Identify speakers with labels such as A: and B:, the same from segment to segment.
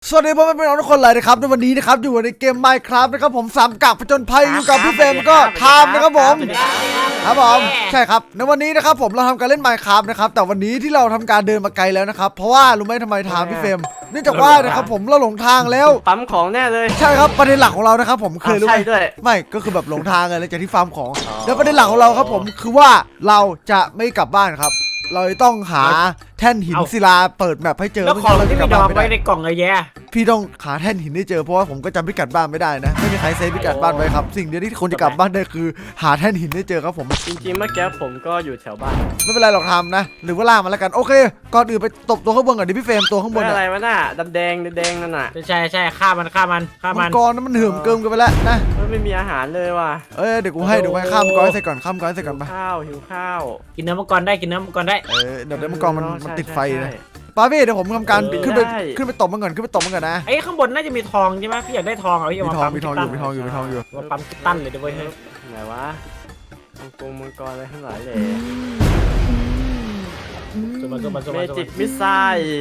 A: สวัสดีพ่อแม่พี่น้องทุกคนเลยนะครับในวันนี้นะครับอยู่ในเกม Minecraft นะครับผม3กับผจญภัยอยู่กับพี่เฟรมก็ทามนะครับผมใช่ครับในวันนี้นะครับผมเราทำการเล่น Minecraft นะครับแต่วันนี้ที่เราทำการเดินมาไกลแล้วนะครับเพราะว่ารู้ไหมทำไมทามพี่เฟรมเนื่องจากว่านะครับผมเราหลงทางแล้ว
B: ปั๊มของแน่เลย
A: ใช่ครับประเด็นหลักของเรานะครับผมเคยรู้ไหมไม่ก็คือแบบหลงทางเลยจากที่ฟาร์มของแล้วประเด็นหลักของเราครับผมคือว่าเราจะไม่กลับบ้านครับเราต้องหาแท่นหินศิลาเปิดแมปให้เจอ
C: แล้วของที่มีดอกไว้ในกล่องไอ้แย่
A: พี่ต้องหาแท่นหินให้เจอเพราะว่าผมก็จำพิกัดบ้านไม่ได้นะไม่มีใครเซฟพิกัดบ้านไว้ครับสิ่งเดียวที่คนจะกลับบ้านได้คือหาแท่นหินให้เจอครับผม
B: จริงๆเมื่อกี้ผมก็อยู่แถวบ้าน
A: ไม่เป็นไรหรอกทำนะหรือว่าล่ามาแล้วกันโอเคก่อนอื่นไปตบตัวข้างบนก่อนดิพี่เฟรมตัวข้างบน
B: อะไรวะน่ะดำแดงนั่นน่ะ
C: ใช่ฆ่ามัน
A: มังกรนั้นมันเหื่อมเกินกันไปแล้วนะ
B: ไม่มีอาหารเลยว่ะ
A: เดี๋ยวกูให้ข้ามมังกรใส่ก่อนข้ามมังกรใส่ก่อนไป
B: หิวข้าว
C: กินเนื้อมังกรได้
A: เดี๋ยวมังกรมันติดไฟนะป้าพี่เดี๋ยวผมทำการขึ้นไปตบมันก่อนนะ
C: ไอ้ข้างบนน่าจะมีทองใช่ไหมพี่อยากได้ทองเอาพี่มา
A: มีทองอยู่
C: มาปั๊มคิตตันเลยด้วย
B: ไหนวะมังกรอะไรทั้งหลายเลยเมจิกมิสไซล์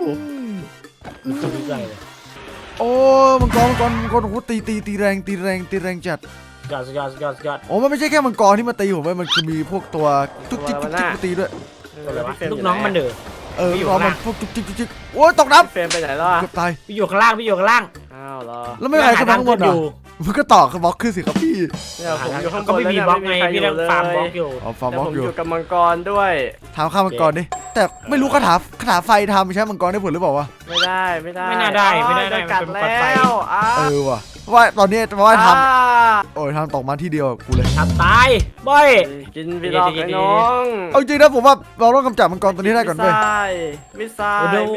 A: โอ้มังกรโอ้ตีแรงจัด
C: ยอด
A: โอ้มันไม่ใช่แค่มังกรที่มาตีผมมันคือมีพวกตัวจุ๊กจิ๊กมาตีด้วย
C: ลูกน้องมันเด้
A: อลูกน้องมันพวกจุ๊กโอ้ยตกน้ำ
B: เฟรมไปไหนแล้ว
A: เกือบตาย
C: พี่อยู่ข้างล่าง
B: อ้าวเหรอ
A: แล้วไม่มีใครขึ้นมาข้างบนอยู่มันก็ต่อบล็อกขึ้นสิครับพี่
B: ผมอยู่ข้างบน
C: ก็ไม่มีบล็อกไงพี่ต้องฟาร์มบล็อกอยู่
B: ผมอยู่กับมังกรด้วย
A: ทำข้ามมังกรดิแต่ไม่รู้คาถาไฟทำใช้มังกรได้ผลหรือเปล่าวะ
B: ไม่ได้
C: ไม่น่าได้
B: กัดแล้ว
A: ว่ะว่าตอนนี้ว่าทำโอ้ยทำตกมาที่เดียวกูเลย
C: ทำตายบ่อย
B: กินพี่ดอกไอ้น้อง
A: เอาจริงนะผมว่าเราต้องกำจัดมังกรตัวนี้ได้ก่อนเว้ย
B: มิสไซ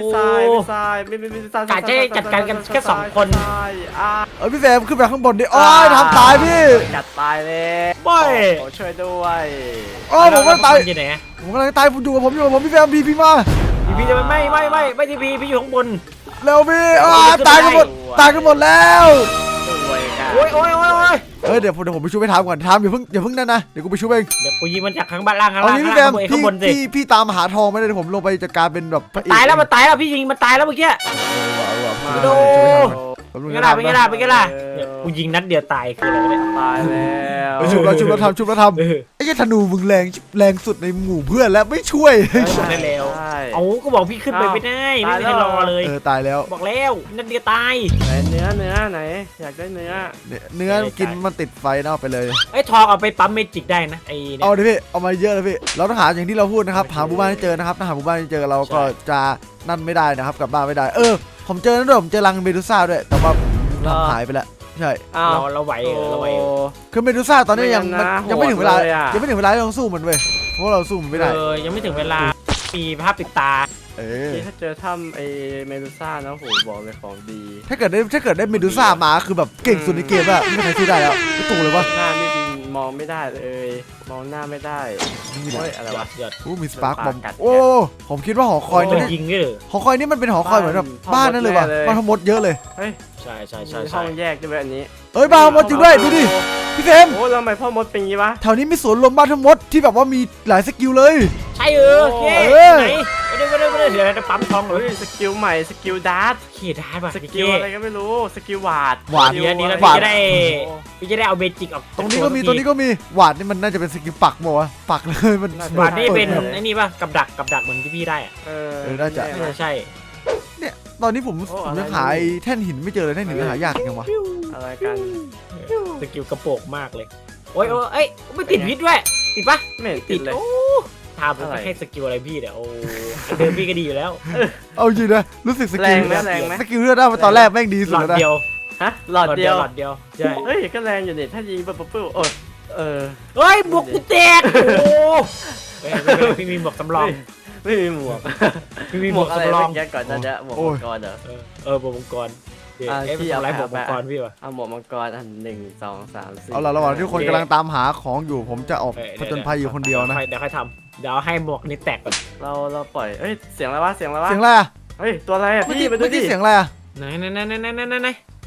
B: ล์
C: กาจะจัดการกันแค่2 คน
A: พี่แซมขึ้นไปข้างบนดิโอ้ยทำตายพี่
B: จัดตายเลย
C: บ่อย
B: ช่วยด้วย
A: ผมก็ตาย
C: อยู่ไหน
A: ผมกำลังตายผมอยู่กับผมพี่แซมพี่มา
C: พี่จะไม่ทีพีพี่อยู่ข้างบน
A: เร็วพี่ตายกันหมดแล้ว
C: โอ้ย
A: เดี๋ยวผมไปช่วยไปทำก่อนทำอย่าเพิ่งนั่นนะเดี๋ยวกูไปช่วยเอง
C: เดี๋ยวกูยิงมันจากข้างบ้านล่างข้างบนสิ
A: พี่ตามหาทองไม่ได้เดี๋ยวผมลงไปจัดการเป็นแบบ
C: ตายแล้วพี่ยิงมันตายแล้วเมื่อกี้โดไม่กล้ากูยิงนัดเดียวตายคืออะไรเนี่ย
B: ตายแล้ว
A: ชุบแล้วทำไอ้ธนูมึงแรงสุดในหมู่เพื่อนแล้วไม่ช่วย
C: ได้แล้วเอาก็บอกพี่ขึ้นไปไม่ได้ไม่มีใครรอเลย
A: ตายแล้ว
C: บอกแล้วนัดเดียวตาย
B: เนื้อไหนอยากได้เนื้อ
A: กินมันติดไฟเอาไปเลย
C: ไอ้ทองเอาไปปั๊มเมจิกได้นะไอ้
A: เอาดิพี่เอามาเยอะเลยพี่เราต้องหาอย่างที่เราพูดนะครับหาหมู่บ้านให้เจอนะครับถ้าหาหมู่บ้านให้เจอเราก็จะนั่นไม่ได้นะครับกลับบ้านไม่ได้ผมเจอนั่นด้วยผมเจอรังเมดูซ่าด้วยแต่ว่าหายไปแล้วใช่
C: เราไหว
A: คือเมดูซ่าตอนนี้ยังไม่ถึงเวลาที่เราสู้มันเว้ยเพราะเราสู้มันไม่ได้
C: ยังไม่ถึงเวลามีภาพปิดตา
B: ถ้าเจอถ้ำไอเมดูซ่านะโหบอกเลยของดี
A: ถ้าเกิดได้เมดูซ่ามาคือแบบเก่งสุดในเกมอะไม่มีใครสู้ได้แล้วไม่ตู่เลยวะ
B: หน้านี่มองไม่ได้เลยมองหน้าไม่ได้อะไรวะ
A: มีสปาร์กบอมผมคิดว่าหอคอยนี่หอคอยนี่มันเป็นหอคอยเหมือนแบบบ้านนั่นเลยวะบ้านทั้งหมดเยอะเลย
B: ใช่ห้องแยกด้วยอันนี้
A: บ้านทั้งหมดจริงด้วยดูดิพี่เฟรม
B: แล้วทำไมพ่อมดเป็นงี้วะ
A: แถวนี้มีสวนรวมบ้านทั้งหมดที่แบบว่ามีหลายสกิลเลย
C: ใช่ไหนไม่ได้เดี๋ยวจะปั๊มทองเลย
B: สกิลใหม่สกิลดาร์ท
C: ได้ป่ะ
B: สกิลอะไรก็ไม่รู้สกิลวาด
C: นี้แล้วพี่จะได้เอาเบจิกออก
A: ตรงนี้ก็มีวาดนี่มันน่าจะเป็นสกิลปักบ่วะปักเลยมัน
C: วาดนี่เป็นไอ้นี่ป่ะกับดักเหมือนที่พี่ได้
A: น่าจะ
C: ใช่
A: เนี่ยตอนนี้ผมยังหาแท่นหินไม่เจอเลยแท่นหินหายากจังวะ
B: อะไรกัน
C: สกิลกระโปงมากเลยโอ้ยไม่ติดพิษด้วยติดปะ
B: ไม่ติดเลย
C: ทำไปให้สกิลอะไรพี่เนี่ยโอ้เดิมพี่ก็ดีอยู่แล้ว
A: เอาจริงนะรู้สึกสกิล
B: แรงไหม
A: สกิลเลือดได้มาตอนแรกแม่งดีสุดแล้วนะ
B: หลอดเดียว
C: ใช่
B: เฮ้ยก็แรงอยู่นี่ถ้ายิงปุ๊บ
C: เฮ้ยบวกกูแตกโอ้พี่มีหมวกสำรอง
B: ไม่มีหมวก
C: พี่มีหมวกสำรอง
B: ก่อนจะหมวกมังกร
C: หมวกมังกรพี่เอาอะไรหมวกมังกรพี่วะ
B: เอาหมวกมังกรอัน1 2 3 4
A: เอาละระหว่างที่คนกำลังตามหาของอยู่ผมจะออกผจญภัยอยู่คนเดียวนะ
C: เดี๋ยวค่อยทำเดี๋ยวให้หมวกนี้แตกก่อน
B: เราปล่อยเสียงอะไรวะ
A: เสียงอะไร
B: เฮ้ยตัวอะไรอ่ะพี่มาดูดิ
A: เสียงอะไรอ่ะ
C: ไหน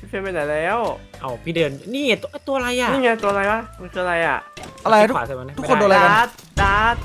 B: พี่เฟรมไปไหนแล้ว
C: เอาพี่เดินนี่ตัวอะไรอ่ะ
B: นี่ไงตัวอะไรวะมันคืออะไรอ่ะ
A: อะไรทุก
C: ขวาใส่มัน
A: ทุกคนโดนอะไรกัน
B: ดัด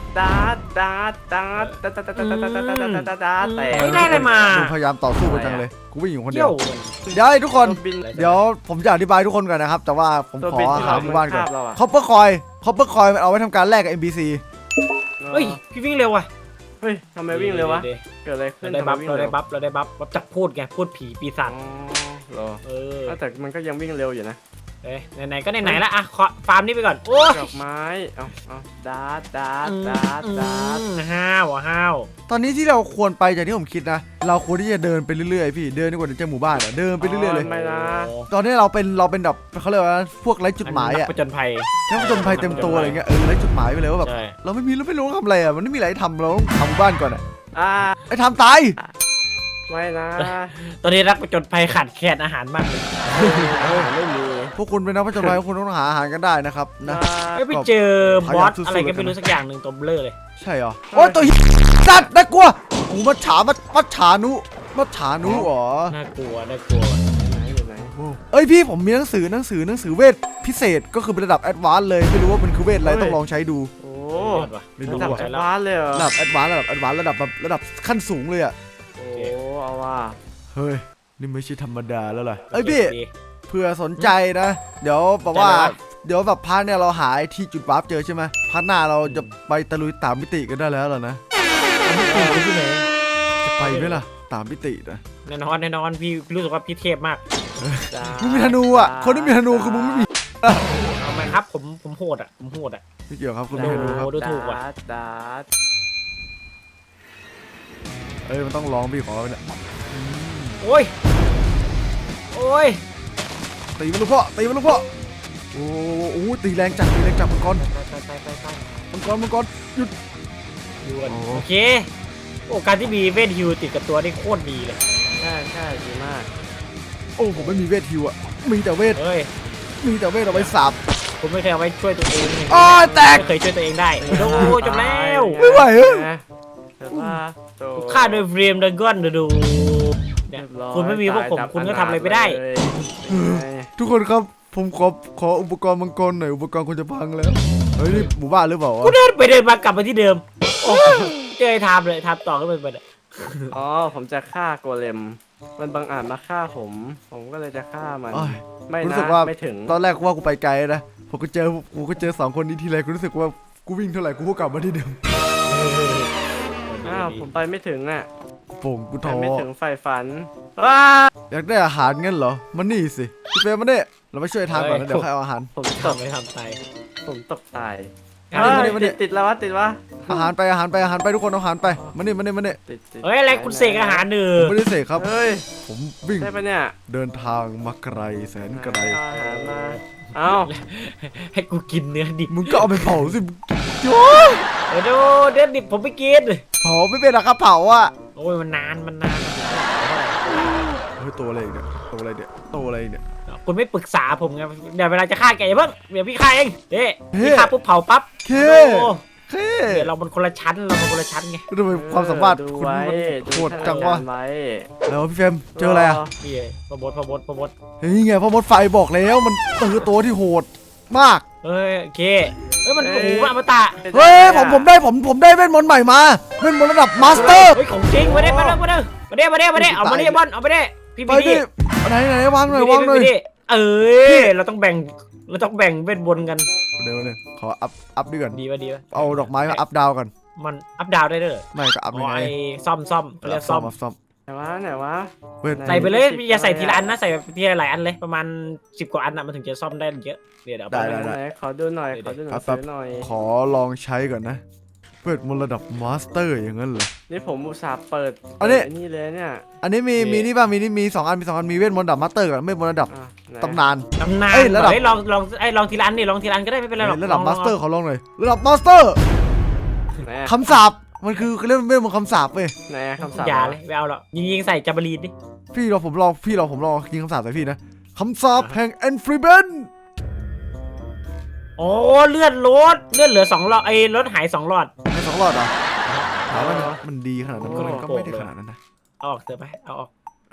B: แต่
C: ไม่ได้อะไรมา
A: ดูพยายามต่อสู้กันจังเลยกูวิ่งอยู่คนเดี
C: เที่
A: ย
C: ยว ว
A: เดี๋ยวให้ทุกคน
B: บิน
A: เดี๋ยวผมจะอธิบายทุกคนก่อนนะครับแต่ว่าผม
B: ตัว
A: ข
B: บิ
A: อน
B: ที่
A: หาหมู่บ้านก่อน
B: เราอะ
A: คอปเปอร์คอยมันเอาไว้ทำการแลกกับ NPC
C: เฮ้ยพี่วิ่งเร็วว่ะ
B: เฮ้ยทำไมวิ่งเร็ววะเกิดอะไรขึ้
C: เรา
B: น
C: ได้บัฟ
B: ทำมวิ่ง
C: เราได้
B: ว
C: บัฟเราได้บัฟจับพูดไงพูดผีปีศาจ
B: เหรอ
C: เออ
B: แต่มันก็ยังวิ่งเร็วอยู่นะ
C: ไหนๆก็ไหนๆละอ่ะขอฟาร์มนี่ไปก่อนโอ้ย
B: ดอกไม้เอาดัด
C: ห้าวอ่ะห้าว
A: ตอนนี้ที่เราควรไปจากที่ผมคิดนะเราควรที่จะเดินไปเรื่อยๆพี่เดินดีกว่าจะหมู่บ้านอะเดินไปเรื่อยๆเลย
B: ไม่นะ
A: ตอนนี้เราเป็นแบบเขาเรียกว่าพวกไร้จุดหมายอะ
C: ผจญภัย
A: แค่ผจญภัยเต็มตัวอะไรเงี้ยไร้จุดหมายไปเลยว่าแบบ
C: ใช่
A: เราไม่รู้ทำอะไรอะมันไม่มีอะไรทำเราต้องทำหมู่บ้านก่อนอะ
B: อ่า
A: ไอ้ทำตาย
B: ไม่นะ
C: ตอนนี้นักผจญภัยขาดแคลนอาหารมากเลย
B: ไม่มี
A: พวกคุณเป็นนักผจญภัยพวกคุณต้องหาอาหารกันได้นะครับนะ
C: ไม่ไปเจอบอสอะไรก็ไม่รู้สักอย่างหนึ่งตัวเบลอเลย
A: ใช่เหรอโอ้ยตัวเหี้ยสัตว์น่ากลัวโอ้มัจฉานุเหรอ
C: น่ากลัวน่ากลัว
B: อยู่ไหน
A: เอ้ยพี่ผมมีหนังสือเวทพิเศษก็คือเป็นระดับแอดวานซ์เลยไม่รู้ว่ามันคือเวทอะไรต้องลองใช้ดู
B: โอ้
A: ไม่
B: ระ
A: รู้
B: ดับ
A: ว่ะ
B: แอดวานซ์เลยเหรอ
A: ระดับแอดวานซ์ระดับขั้นสูงเลยอ่ะ
B: โอ้เอาว่ะ
A: เฮ้ยนี่ไม่ใช่ธรรมดาแล้วล่ะเอ้ยพี่เผื่อสนใจนะเดี๋ยวแบบว่าเดี๋ยวแบบพาร์ทเนี่ยเราหาที่จุดวาร์ปเจอใช่ไหมพาร์ทหน้าเราจะไปตะลุยตามมิติกันได้แล้วเหรอนะ
C: ที่ไหน
A: จะไปไหมล่ะตามมิตินะ
C: แน่นอนพี่รู้สึกว่าพี่เทพมาก
A: มึงมีธนูอ่ะคนที่มีธนูคือมึงไม่มี
C: เอาไหมครับผมโหดอ่ะผมโหดอ่ะ
A: ไม่เกี่ยวครับคุณมีธนูครับ
C: ดูถูกว่ะ
B: ดัด
A: เอ้ยมันต้องลองพี่ขอเนี่ย
C: โอ้ยโอ้ย
A: ตีมันลูกพ่อโอ้โหตีแรงจัดมังกร มังกรหยุด
C: ดูกัน
A: โอ้
C: โอเคโอ้การที่มีเวทฮิวติดกับตัวนี่โคตรดีเลย
B: ใช่ดีมาก
A: โอ้ผมไม่มีเวทฮิวอ่ะมีแต่เวท
C: เฮ้ย
A: เอาไว้สับ
C: ผมไม่เคยเอาไว้ช่วยตัวเอง
A: อ้อแตก
C: ไม่เคยช่วยตัวเองได้โอ้จบแล้ว
A: ไม่ไหวเอ้ย
C: ฆ่าโดยเฟรมดากอนดูเนี่ยคุณไม่มีพวกผมคุณก็ทำอะไรไม่ได้
A: ทุกคนครับผมขออุปกรณ์มังกรหน่อยอุปกรณ์คุณจะพังแล้วเฮ้ยนี่หมู่บ้านหรือเปล่าวะ
C: กูเดินไปเดินมากลับมาที่เดิมโอ้เจอไอ้ทามเลยทามต่อขึ้นไปเลย
B: อ๋อผมจะฆ่าโกเลมมันบังอาจมาฆ่าผมก็เลยจะฆ่ามัน
A: อ้อย
B: ไม่
A: รู้
B: นะ
A: สึกว่า
B: ไม่ถึง
A: ตอนแรกว่ากูไปไกลนะผมก็เจอสองคนนี้ทีไรกูรู้สึกว่ากูวิ่งเท่าไหร่กูก็กลับมาที่เดิม
B: อ้าวผมไปไม่ถึงอ่ะ
A: โป่งกู
B: ไป
A: ท้อ
B: ไม่ถึงไฟฝันว้า
A: อยากได้อาหารงั้นเหรอมันนี่สิพี่เฟรมมาเนี่ยเราไปช่วยทางก่อนนะเดี๋ยวใครเอาอาหาร
B: ผมต
C: ทำ
B: ก
C: ไม่ทำตาย
B: ผมตกตาย
A: มาดิ
B: ติดแล้ววะติดวะ
A: อาหารไปทุกคนเอาอาหารไปมานี่
B: ติด
C: เฮ้ยอะไรคุณเสกอาหารหนึ่
A: ผม
C: ง
A: ไม่ได้เสกครับ
B: เฮ้ย
A: ผมวิ่ง
B: ใช่ปะเนี่ย
A: เดินทางมาไกลแสนไกล
B: เอาอาหารมาเอา
C: ให้กูกินเนื้อดิบ
A: มึงก็เอาไปเผาสิโย
C: เดี๋ยวดูเนื้อดิบผมไม่กิน
A: เผาไม่เป็นหรอกครับเผาอ่ะ
C: โอ้ยมันนาน
A: เฮ้ยตัวอะไรอีกเนี่ยตัวอะไรเนี่ย
C: คุณไม่ปรึกษาผมไงเดี๋ยวเวลาจะฆ่าแกอย่าเพิ่งเดี๋ยวพี่ฆ่าเองเด้
A: เฮ้
C: พี่ฆ่าปุ๊บเผาปั๊บ
A: เค
C: โอ้
A: เค
C: เดี๋ยวเรามันคนละชั้นไง
A: ทำไมความสามารถ
B: ดู
A: คุณ
B: ไว้
A: มันโหดจังวะ
B: ไว้
A: แล้วพี่เฟรมเจออะไรอ่ะ
C: พี่พบด
A: เฮ้ยไงพ่อมดไฟบอกแล้วมันคือตัวที่โหดมาก
C: เฮ้ยโอเคเฮ้ยมันโอ้โหมันอมตะ
A: เฮ้ยผมได้เวทมนต์ใหม่มาเวทมนต์ระดับมาสเตอร์
C: เฮ้ยของจริงมาได้เอามาได้เอามาได้บอลเอามาได้พี่
A: ไป
C: พี่
A: ดิไหนวางหน่อยวางหน่อย
C: เอ้ยเราต้องแบ่งเวทบนกัน
A: เดี๋ยวขออัพดีก่อน
C: ดีป่ะ
A: เอาดอกไม้มาอัพดาวก่อน
C: มันอัพดาวได้ด้วย
A: ไม่ก็อัพ
C: อ๋
A: ยั
C: อง
A: ไง
C: ไอ้ซ่อมเขาเรียกซ่อม
A: ซ่อม
B: ไหนวะ
A: เวท
C: ใส่ไปเลยอย่าใส่ทีละอันนะใส่ทีละหลายอันเลยประมาณ10 กว่าอันนะมันถึงจะซ่อมได้เยอะเดี๋ยว
A: ได้
B: ไหนขอดูหน่อยซื้อหน่อย
A: ขอลองใช้ก่อนนะเวทมนต์ระดับมาสเตอร์อย่างนั้นเหรอ
B: นี่ผมอุตส่าห์เปิด
A: อันนี้
B: นี่เลยเนี่ย
A: อันนี้มีนี่ป่ะมี2 อันมีเวทมนต์ระดับมาสเตอร์กับเวทมนต์ระดับตำนาน
C: เอ้ยระดับลองทีละอันนี่ลองทีละอันก็ได้ไม่เป็นไรหรอก
A: ระดับมาสเตอร์ขอลองหน่อยระดับมาสเตอร์คำสาปมันคือเรียกเวทมนต์คำสาปเว้ย
B: ไหนคำสั่ง
C: อย่าเลยไม่เอาหรอกยิงใส่จับรีนดิ
A: ผมลองยิงคำสาปใส่พี่นะคำสาปแห่งแอนฟรีเบน
C: โอ้เลือดเหลือ2 หลอดไอ้รถหาย2 หลอด
A: ไม่2 หลอดเหรอถามว่ามันดีขนาดนั้นมันก็ไม่ได้ขนาดนั้นนะ
C: เอาออกเถอะไปเอาออก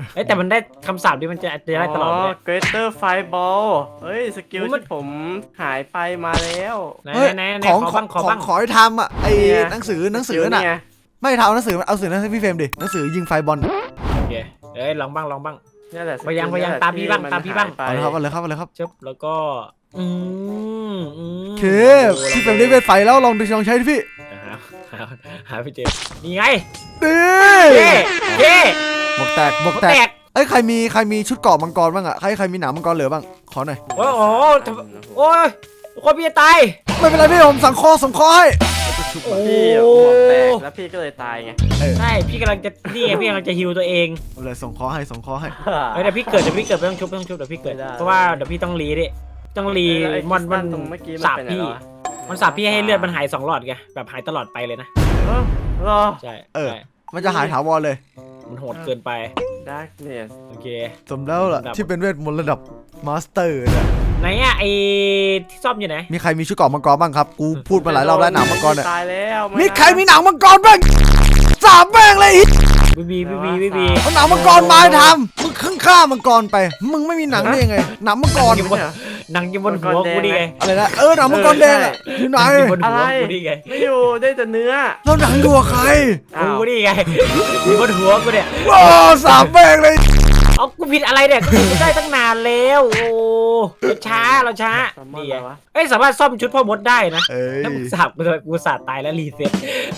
C: เอ้ยแต่มันได้คำสาปดิมันจะได้ตลอดเลย
B: Greater Fireball เฮ้ยสกิลที่ผมหายไปมาแล้ว
C: ไหน
A: เฮ้ย
C: ไหน
A: ของ
C: ขอบ้าง
A: ขอให้ทำอ่ะไอ้หนังสือน่ะ
B: ไง
A: ไม่ทำเอาหนังสือเอาหนังสือนั้นให้พี่เฟรมดิหนังสือยิงไฟบอล
C: โอเคเอ้ยลองบ้าง
B: นี่แหละ
C: ไปยังตามพี่บ้าง
A: เอาเลยครับเอาเลยครับเอาเลยครับ
C: ชึบแล้วก็โอ
A: โอเคพี่เฟรมได้เวทไฟแล้วลองใช้ดิพี่
C: หาพี่เจมนี่ไง
A: ดี
C: เย่
A: บวกแตกเอ้ยใครมีชุดเกราะมังกรบ้างอ่ะใครมีหนามมังกรเหลือบ้างขอหน่อย
C: โอ้โหโอ้ยคนพี่จะตาย
A: ไม่เป็นไรพี่ผมสั่งคอให้
C: โอ้
B: พี่หมวกแตกแล้วพี่ก็เลยตายไง
C: ใช่พี่กำลังจะนี่ไงพี่กำลังจะฮิวตัวเอง
A: เอาเลยส่งคอให้
C: เฮ้ยเดี๋ยวพี่เกิดไม่ต้องชุบเดี๋ยวพี่เกิดเพราะว่าเดี๋ยวพี่ต้องรีดิต้องรีมันสาบพี่มันสาบพี่ให้เลือดมันหาย2 หลอดไงแบบหายตลอดไปเลยนะ
B: รอ
C: ใช่
A: มันจะหายถาวรเลย
C: มันโหดเกินไป
B: Darkness
C: โอเค
A: สมแล้วล่ะที่เป็นเวทมนต์ระดับมาสเตอร์นะ
C: ไหนอะไอที่ซ่อมอยู่ไหน
A: มีใครมีชุดเกราะมังกรบ้างครับกูพูดมาหลายรอบแล้วหนามมังกรเนี่ย
B: ตายแล้ว
A: มีใครมีหนามมังกรบ้างสามแม่งเลย
C: บี
A: เอาหนามมังกรมาให้ทำมึงข้างฆ่ามังกรไปมึงไม่มีหนังได้ยังไงหนามมังกร
C: หนังอยู่บนหัวกูดิไง
A: อะไรนะหนามมังกรแดงอะอยู่ไหน
C: อยู่บนหัวกูดิไง
B: ไม่อยู่ได้แต่เนื้อ
A: แล้วหนังอยู่กับใคร
C: กูดิไงอยู่บนหัวกูเนี่ย
A: โอ้สามแม่งเลย
C: เอากูผิดอะไรเนี่ยกูได้ตั้งนานแล้วโอ้เราช้านี่ไงเอ้ยสามารถซ่อมชุดพ่อมดได้นะ
A: เอ้ย
C: แล้วกูสาดตายแล้วรีเซ็ต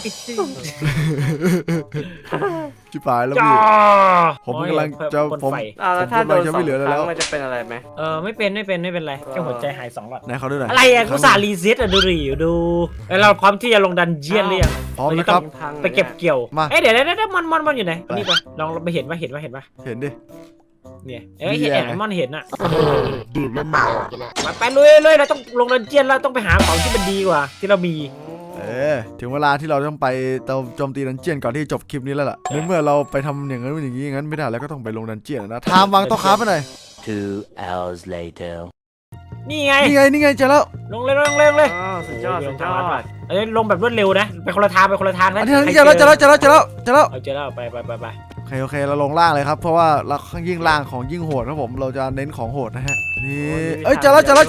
A: ชิบหายแล้วพี่ ผมกำลังจะผม
B: แล้วถ้าโดน
A: จะ
B: 2
A: ไม่เหลือ
B: ค
A: แล้ว
B: รั้งมันจะเป็นอะไรไหม
C: ไม่เป็นไรแค่หัวใจหาย2 หลอด
A: ไหนเขาดูหน่อย
C: อะไรอะกูสาดรีเซ็ตอะดูดิดูแล้วเราพร้อมที่จะลงดันเจียนหรือยัง
A: พร้อมนะครับ
C: ไปเก็บเกี่ยว
A: มา
C: เอ้ยเดี๋ยวมันอยู่ไหนนี่ปะลองไปเห็นปะ
A: เห็นดิ
C: เนี่ยเอ้ยเห็น
A: เหี้ย
C: ไอ้มอนเห็นอะไปเลยเราต้องลงดันเจียนแล้วต้องไปหาของที่มันดีกว่าที่เรามี
A: ถึงเวลาที่เราต้องไปโจมตีดันเจียนก่อนที่จบคลิปนี้แล้วล่ะในเมื่อเราไปทำอย่างนั้นอย่างนั้นไม่ได้แล้วก็ต้องไปลงดันเจียนนะทามวางโต๊ะค้าไปหน่อย
D: 2 hours later
C: นี่ไง
A: นี่ไงเจอแล้ว
C: ลงเลย
B: สุดยอด
C: เอ้ยลงแบบรวดเร็วนะไปคนละทางนะ
A: อันนี้เจอแล้ว
C: เอาเจอแล้วไป
A: โอเคเราลงล่างเลยครับเพราะว่าเราข้างยิ่งล่างของยิ่งโหดครับผมเราจะเน้นของโหดนะฮะนี่เอ้ยเจอแล้ว
C: ไป
B: ไหน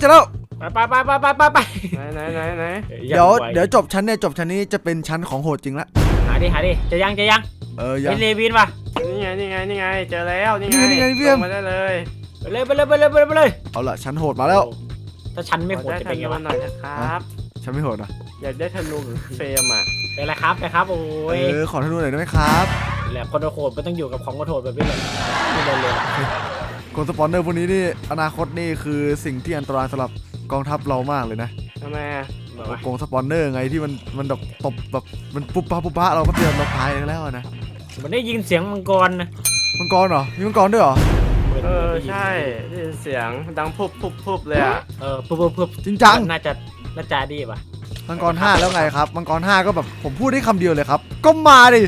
A: เดี๋ยวจบชั้นนี้จะเป็นชั้นของโหดจริงละ
C: หาดิจะยัง
A: ยัง
C: เลวินป่ะ
B: นี่ไงเจอแล้วนี่ไงมาได้เลย
C: ไปเลย
A: เอาล่ะชั้นโหดมาแล้ว
C: ถ้าฉันไม่โหดจะเป็นไงวะ
B: หน่อยนะครับ
A: ชั้นไม่โหดนะ
B: อยากได้ธนูเฟรมอ่ะ
C: เป็นไรครับโอ้ย
A: ขอธนูหน่อยได้ไหมครับ
C: แหละคนโหดก็ต้องอยู่กับของโหดแบบนี้แหละไม่ได้เลย
A: กดสปอนเนอร์พวกนี้นี่อนาคตนี่คือสิ่งที่อันตรายสำหรับกองทัพเรามากเลยนะ
B: ทำไมอ่ะ
A: โกงสปอนเนอร์ไงที่มันแบบตบแบบมันปุ๊บป้าเราก็เตือนเราตายแล้วนะ
C: มันได้ยินเสียงมังกรนะ
A: มังกรเหรอมีมังกรด้วยเหรอ
B: ใช่ได้ยินเสียงดังพุบเลยอ่ะ
C: ปุ๊บ
A: จริงจัง
C: น่าจะดีป่ะ
A: มังกร5แล้วไงครับมังกร5ก็แบบผมพูดได้คำเดียวเลยครับก็มาดิ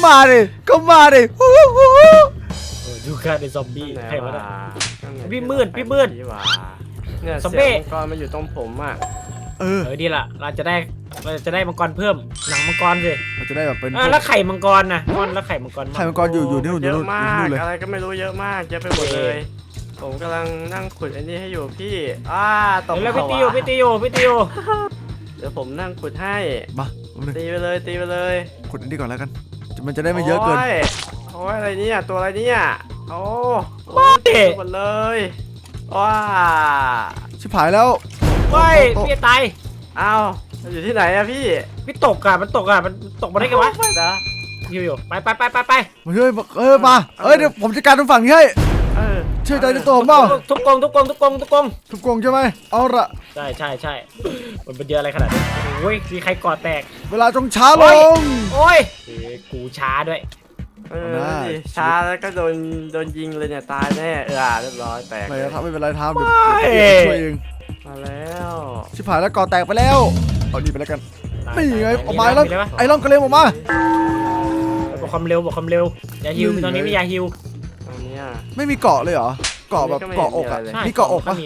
C: ดูการเป็นซอมบี้ใครวะเนี่ย พี่มืด
B: เนี่ย
C: ซอม
B: เสี
C: บี้
B: ยงมังกรมันอยู่ตรงผมอ่ะ
C: ดีละเราจะได้มังกรเพิ่มหนังมังกรสิ
A: มันจะได้แบบเป็น
C: แล้วไข่มังกรนะแล้วไข่มังกร
A: ไข่มังกรอยู่ที่นู่น
B: เยอะมาก
A: เลย
B: อะไรก็ไม่รู้เยอะมากเยอะไปหมดเลย ผมกำลังนั่งขุดอันนี้ให้อยู่พี่ตก
C: แล้วพี่ตีโอ
B: เดี๋ยวผมนั่งขุดให้
A: มา
B: ตีไปเลย
A: ขุดอันนี้ก่อนแล้วกันมันจะได้ไม่เยอะเกิน
B: โอ้ยอะไรเนี่ยตัวอะไรเนี่ยโอ้หมดเลยว้า
A: ชิบหายแล้ว
C: พี่ตาย
B: อ้าวอยู่ที่ไหนอะพี่
C: พี่ตกมันตกมาได้ไงวะ
B: นะ
C: อยู่ไป
A: มาช่วยมาเดี๋ยวผมจัดการตรงฝั่งนี้ให้เชื่อใจในตัวผมเปล่า
C: ทุบกง
A: ทุบกงใช่ไหมเอาละ
C: ใช่มันเป็นเยอะอะไรขนาดนี้โอ้ยมีใครก่อแตก
A: เวลาจงช้าลง
C: โอ้ยกูช้าด้วย
B: ช้าแล้วก็โดนยิงเลยเนี่ยตายแน่เรียบร้อยแตก
A: ไม่เป็นไรทำเดี๋ยวช่วยเอง
B: มาแล้ว
A: ชิบหายแล้วก่อแตกไปแล้วเอาดีไปแล้วกันนี่ไงออกมาแล้วไอ้ร่องกระเลมออกมา
C: บอกความเร็วอย่าฮิวตอนนี้ไม่อย่าฮิว
B: ตรงนี้
A: ไม่มีเกาะเลยเหรอเกาะแบบเกาะอกอ่ะมีเกาะอกปะ
C: มีเลย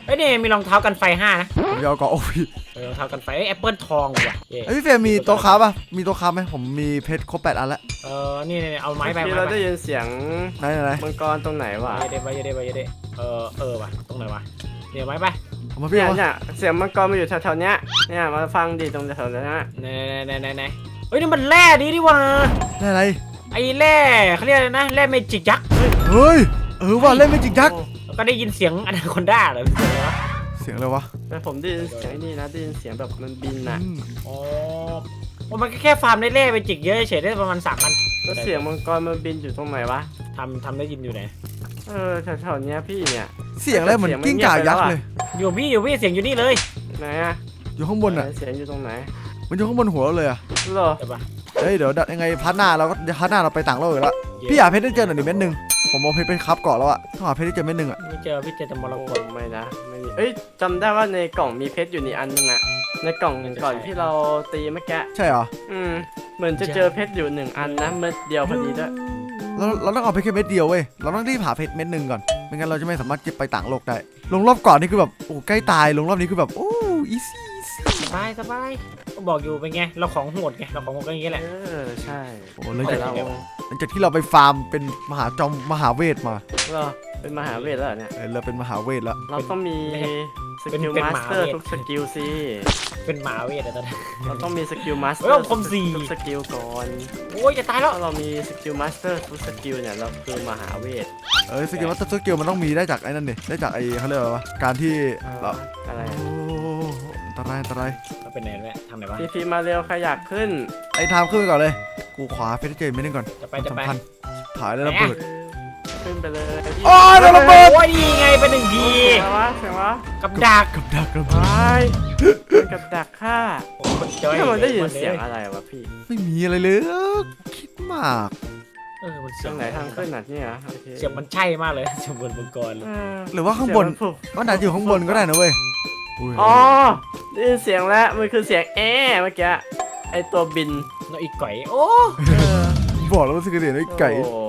C: อ้ยนี่มีรองเท้ากันไฟ5นะ
A: ผมจะเอาเกาะโอ้ย
C: รองเท้ากันไฟแอปเปิลทองว่ะเย่
A: พี่เฟรมมีโต๊ะค้าป่ะมีโต๊ะค้าไหมผมมีเพชรครบ8 อันแล้ว
C: นี่เอาไม้ไป
B: ที่
C: ไม้
B: เรา
C: ไป
B: ได้ยินเสียง
A: ไหน
B: มังกรตรงไหนวะ
C: เยเดไปว่ะตรงไหนวะเดี๋ยวไม้ไป
A: เอามาพี่
B: เนี่ย
A: เอามา
B: เนี่ยเสียงมังกรมาอยู่แถวๆเนี้ยเนี่ยมาฟังดิตรงแถวๆเนี้ย
C: ไหนเฮ้ยนี่มันแร่ดีดิว่ะ
A: ได้อะไร
C: ไอ้แร่เขาเรียกอะไรนะแร่เมจิกยักษ์
A: เฮ้ยว่าเล่นไม่จริงยักษ์
C: แล้วก็ได้ยินเสียงอนาคอนด้าเหรอ
A: เสียงอะไรวะ
B: แต่ผมได้ยินเสียงนี่นะได้ยินเสียงแบบมันบินน่ะ
C: อ๋อมันก็แค่ฟาร์มได้แร่เมจิกเยอะเฉยได้ประมาณ3,000
B: แล้วเสียงมังกรมันบินอยู่ตรงไหนวะ
C: ทำได้ยินอยู่ไหน
B: แถวๆเนี้ยพี่เนี่ย
A: เสียงอะไรเหมือนกิ้งก่ายักษ์เลย
C: อยู่พี่เสียงอยู่นี่เลย
B: ไหนอะ
A: อยู่ข้างบนอ่ะ
B: เสียงอยู่ตรงไหน
A: มันอยู่ข้างบนหัวเราเลยอ่ะ
B: เหรอ
C: ใช่ปะ
A: เฮ้ยเดี๋ยวยังไงพาร์ทหน้าเราก็พาร์ทหน้าเราไปต่างโลกอีกแล้วพี่หาเพชรได้เจอหน่อยดิเม็ดหนึ่งผมเอาเพชรไปคับเกาะแล้วอ่ะต้องหาเพชรได้เจอเม็ดหนึ่งอ่ะ
C: ไม่เจอพี่เจอแต่มร
B: โอ้
C: กต
B: ไม่นะไม่มีเอ้ยจำได้ว่าในกล่องมีเพชรอยู่ในอันนึงอะในกล่องก่อนที่เราตีเมื่อกี้
A: ใช่เหรอ
B: เหมือนจะเจอเพชรอยู่1 อันนะเม็ดเดียวพอดีด้วย
A: เราต้องเอาเพชรแค่เม็ดเดียวเว้ยเราต้องรีบหาเพชรเม็ดหนึ่งก่อนไม่งั้นเราจะไม่สามารถเก็บไปต่างโลกได้ลงรอบก่อนนี่คือแบบโอ้ใกล้ตายลงรอบนี้คือแบบโอ้อีซี่
C: สบายก็บอกอยู่เป็นไงเราของโหดไงเราของโหดก็อย่างงี้แหละ
B: ใช่
A: โอ้หลัง
B: แต่
A: จาก
B: เรา
A: หลังจากที่เราไปฟาร์มเป็นมหาเวทมา
B: เราเป็นมหาเวทแล้วเหรอเนี่ย
A: เราเป็นมหาเวทแล้ว
B: เราต้องมีสกิลมาสเตอร์ทุกสกิลสิ
C: เป็นหมาเวทอะตอนนี้
B: เราต้องมีสกิลมาสเต
C: เฮ้
B: อย
C: ผม
B: ร์
C: 4
B: ทุกสกิลก่อน
C: โอ้ยจะตายแล้ว
B: ถ้าเรามีสกิลมาสเตอร์ทุกสกิลเนี่ยเราคือมหาเวท
A: สกิลวัตถุสกิลมันต้องมีได้จากไอ้นั่นดิได้จากไอ้เขาเรียกว่าอะไรวะการที่เรา
B: อะไร
A: โอ้อันตราย
C: เราเป็นไหนเนี่ยทางไหนวะ
B: ทีมาเร็วใครอยากขึ้น
A: ไอ้ทามขึ้นไปก่อนเลยกูขวาเพชรเจมไม่ได้ก่อน
C: จะไป
A: สำคัญถ่ายแล้วระเบิด
B: ขึ้นไปเลย
A: โอ้ยโดนระเบิด
C: โอ้ยดีไงเป็น1 ที
B: เสียงวะเสียงวะ
C: กับดัก
A: กับดัก
B: ไปกับดักฆ่า
C: จอย
B: ถ้ามันได้ยินเสียงอะไรวะพี่
A: ไม่มีอะไรเลยคิดมาก
C: มัน
B: ตรงไหนทางขึ้นน่ะเนี่ยโอเค
C: เสียงมันใช่มากเลยเสียงบนมังกรเลย
A: หรือว่าข้างบน
B: เสียมัผูก
A: มันอาจจะอยู่ข้างบนก็ได้นะเว้ยย
B: อ๋อได้ยินเสียงแล้วมันคือเสียงเมื่อกี้ไอตัวบิน
C: น้องอีกไก่โอ้
A: บอกแล้วว่าสกิลเดียนไอ้ไก่
B: โอ้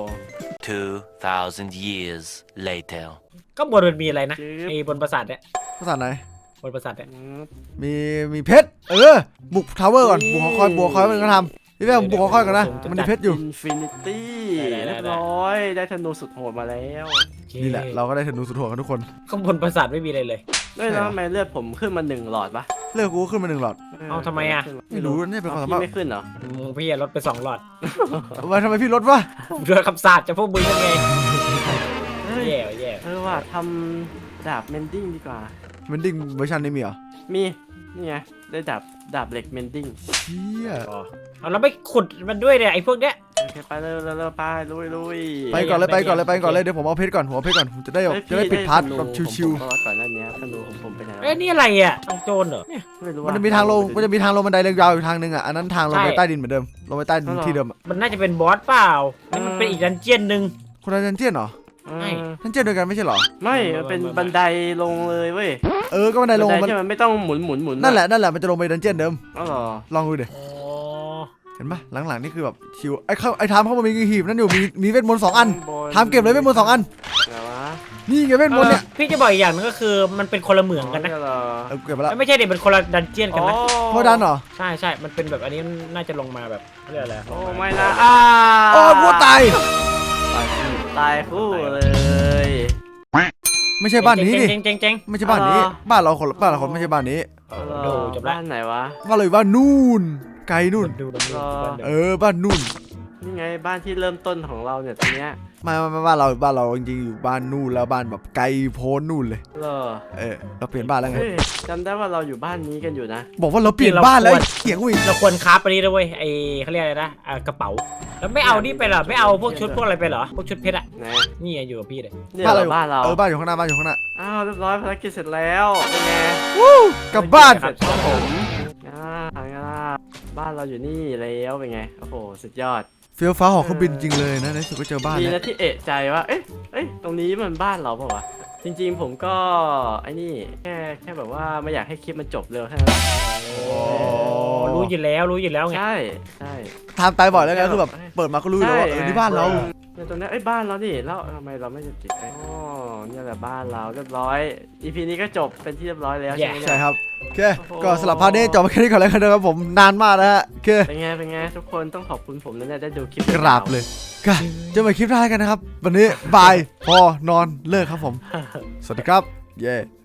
D: 2,000 years later.
C: ก็บนมันมีอะไรนะไอ้บนปราสาทเนี่ย
A: ภาษาไหน
C: บนปราสาทเนี่ย
A: มีเพชรบุกทาวเวอร์ก่อนบุกหอคอยมันก็ทำพี่แม่บุกหอคอยก่อนนะมันมีเพชรอยู่
B: อินฟินิตี้เรียบร้อยได้ธนูสุดโหดมาแล้ว
A: นี่แหละเราก็ได้ธนูสุดโหดกันทุกคน
C: ข้างบนปราสาทไม่มีอะไรเลย
B: ด้วยแล้วทำไมเลือดผมขึ้นมา1 หลอดปะ
A: เลือกกูก็ขึ้นมา1 หลอด
C: เอาทำไมอะ
A: ไม่รู้นี่เป็นความสา
B: พี่
A: มารถ
B: ไม่ขึ้นเหรอ
C: พี่ลดไป2 หลอด
A: ทำไมพี่ลดวะ
C: ผมโดนคำสาปจากพวกมึงยังไงแย่
B: ว่าทำดาบเมนดิ้งดีกว่า
A: มันดิ้งเวอร์ชันนี้มีเหรอ
B: มีนี่ไงได้ดาบเหล็กเมนดิ้ง
A: เชี่ย
C: เอาแล้วไม่ขุดมันด้วยเนี่ยไอ้พวกเนี้ย
B: โอเคไปเลยไปลุย
A: ไปก่อนเลยเดี๋ยวผมเอาเพชรก่อนผมจะได้ปิดพาร์ทแบบชิว
B: ๆก่อนหน้านี้ธนูของผมไปไหน
C: เอ้ยนี่อะไรอ่ะต้องโจรเหรอเนี่ย
B: ไม่รู้
A: ๆมันจะมีทางลงบันไดเรียงยาวอยู่ทางนึงอ่ะอันนั้นทางลงไปใต้ดินเหมือนเดิมลงไปใต้ดินที่เดิม
C: มันน่าจะเป็นบอสเปล่านี่มันเป็นอีกดันเจียนหนึ่ง
A: คนละดันเจียนเหรอ
C: ไม่
A: ดันเจียนเดียวกันไม่ใช่เหรอ
B: ไม่มันเป็นบันไดลงเลยเว้ย
A: ก็บันไดลง
B: ที่มันไม่ต้องหมุน
A: นั่นแหละมันจะลงไปดันเจียนเดิม
B: อ๋อเหรอ
A: ลองดูดิ
C: อ๋อ
A: เห็นปะหลังๆนี่คือแบบชิวไอ้ทามเข้ามามีหีบนั่นอยู่มีเวทมนต์2 อันทามเก็บเลยเวทมนต์2 อัน
B: ไหนวะ
A: นี่ไงเวทมนต์เนี่ย
C: พี่จะบอกอีกอย่างนึงก็คือมันเป็นคนละเหมืองกันนะ
B: เหรอ
A: เก็บไปแล้ว
C: ไม่ใช่เด็กเป็นคนละดันเจียนกันนะ
A: โคดันเหรอ
C: ใช่มันเป็นแบบอันนี้น่าจะลงมาแบบเรียกอะไร
B: โอ้ไม่นะ
A: โอ้กูตาย
B: ตายคู่เลย
A: ไม่ใช่บ้านนี้ดิ
C: เจ๊ง
A: ไม่ใช่บ้านนี้บ้านเราคนไม่ใช่บ้านนี้
C: ดูจบละ
B: บ้านไหนวะ
A: บ้านเราอยู่บ้านนู่นไกลนู่น
C: ดู
A: บ้านนู่น
B: นี่ไงบ้านที่เริ่มต้นของเราเนี่ยตรงเนี้ย
A: ไม่บ้านเราจริงๆอยู่บ้านนู่นแล้วบ้านแบบไกลโพ้นนู่นเลย
B: เหรอ
A: เราเปลี่ยนบ้านแล้วไง
B: เฮ้ยจำได้ว่าเราอยู่บ้านนี้กันอยู่นะ
A: บอกว่าเราเปลี่ยนบ้านแล้วเถียงกูอีก
C: เราควรคราฟไปนี่ด้วยไอ้เขาเรียกอะไรนะกระเป๋าแล้วไม่เอานี่ไปเหรอไม่เอาพวกชุดพวกอะไรไปเหรอพวกชุดเพชรอ่ะ
B: ไหน
C: นี่อยู่กับพี่เลย
B: เนี่ยเหรอบ้านเรา
A: บ้านอยู่ข้างหน้าบ้านอยู่ข้างหน้า
B: อ้าวเรียบร้อยภารกิจเสร็จแล้วเป็นไง
A: กลับบ้าน
B: เสร็จครับผมบ้านเราอยู่นี่แล้วเป็นไงโอ้โหสุดยอด
A: เฟี้ยวฟ้าหอกเครื่องบินจริงเลยนะในสุดก็เจอบ้าน
B: ดี
A: แล้ว
B: นะที่เอะใจว่าเอ๊ะตรงนี้มันบ้านเราเปล่าวะจริงๆผมก็ไอ้นี่แค่แบบว่าไม่อยากให้คลิปมันจบเร็วแค่นั้น
C: รู้อยู่แล้วไง
B: ใช่ใช่
A: ทำตายบ่อยแล้วไงคือแบบเปิดมาก็รู้แล้วว่านี่บ้านเรา
B: ในตรงนี้บ้านเรานี่แล้วทำไมเราไม่จะติดอ๋อเนี่ยแหละบ้านเราเรียบร้อย EP นี้ก็จบเป็นที่เรียบร้อยแล้วใช่ไหมเนี่ย
A: ใช่ครับโอเคก็สำหรับพาร์ทนี้จบไปแค่นี้ก่อนแล้วกันนะครับผมนานมากนะฮะโอเค
B: เป็นไงทุกคนต้องขอบคุณผมนะเนี่ยได้ดูคลิป
A: กราบเลยก็เจอกันใหม่คลิปหน้ากันนะครับวันนี้บายพอนอนเลิกครับผมสวัสดีครับเย้